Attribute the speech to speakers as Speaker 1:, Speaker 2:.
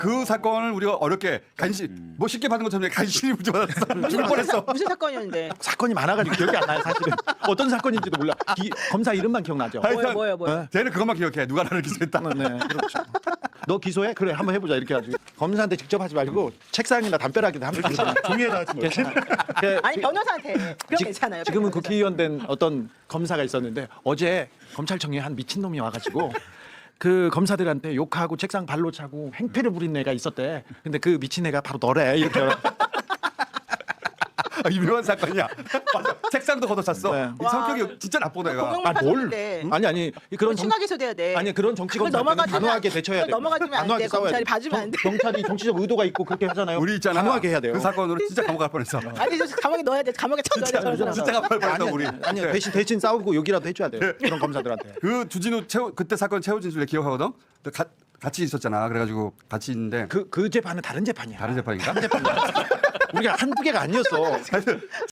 Speaker 1: 그 사건을 우리가 어렵게 간신 뭐 쉽게 받은 것처럼 간신히 문제받았어. 죽을 뻔했어.
Speaker 2: 무슨 사건이었는데?
Speaker 3: 사건이 많아가지고 기억이 안 나요 사실은. 어떤 사건인지도 몰라. 검사 이름만 기억나죠.
Speaker 1: 하여튼
Speaker 2: 뭐예요?
Speaker 3: 네.
Speaker 1: 쟤는 그것만 기억해. 누가 나를 기소했다.
Speaker 3: 네, 그렇죠. 너 기소해? 그래, 한번 해보자 이렇게 해가지고 검사한테 직접 하지 말고 책상이나 담벼락에다 한번 기소.
Speaker 4: 종이에다 하지 뭐.
Speaker 2: 아니 변호사한테. 그럼 괜찮아요.
Speaker 3: 지금은
Speaker 2: 변호사.
Speaker 3: 국회의원 된 어떤 검사가 있었는데 어제 검찰청에 한 미친 놈이 와가지고 그 검사들한테 욕하고 책상 발로 차고 행패를 부린 애가 있었대. 근데 그 미친 애가 바로 너래 이렇게.
Speaker 1: 유명한 사건이야. 맞아. 책상도 걷어찼어.
Speaker 3: 네.
Speaker 1: 이 성격이 진짜 나쁜 애가.
Speaker 2: 공영물 파손인데.
Speaker 3: 아니 그런
Speaker 2: 심하게 기소돼야 돼.
Speaker 3: 아니 그런 정치
Speaker 2: 그걸
Speaker 3: 검사는
Speaker 2: 넘어가지면
Speaker 3: 단호하게 대처해야 돼.
Speaker 2: 넘어가지면 안 돼. 검찰이 봐주면 안 돼.
Speaker 3: 경찰이 정치적 의도가 있고 그렇게 하잖아요.
Speaker 1: 우리 있잖아.
Speaker 3: 단호하게 해야 돼요.
Speaker 1: 그 사건으로 진짜 감옥 갈 뻔했어.
Speaker 2: 아니 저 감옥에 넣어야 돼. 감옥에 쳐넣어야 돼. 저런 사람.
Speaker 1: 진짜 갈 뻔했어 우리.
Speaker 3: 아니요 대신 싸우고 욕이라도 해줘야 돼요. 그런 검사들한테.
Speaker 1: 그 주진우 그때 사건 최후 진술 내가 기억하거든. 같이 있었잖아. 그래가지고 같이 있는데
Speaker 3: 그 재판은 다른 재판이야.
Speaker 1: 다른 재판인가?
Speaker 3: 우리가 한두 개가 아니었어.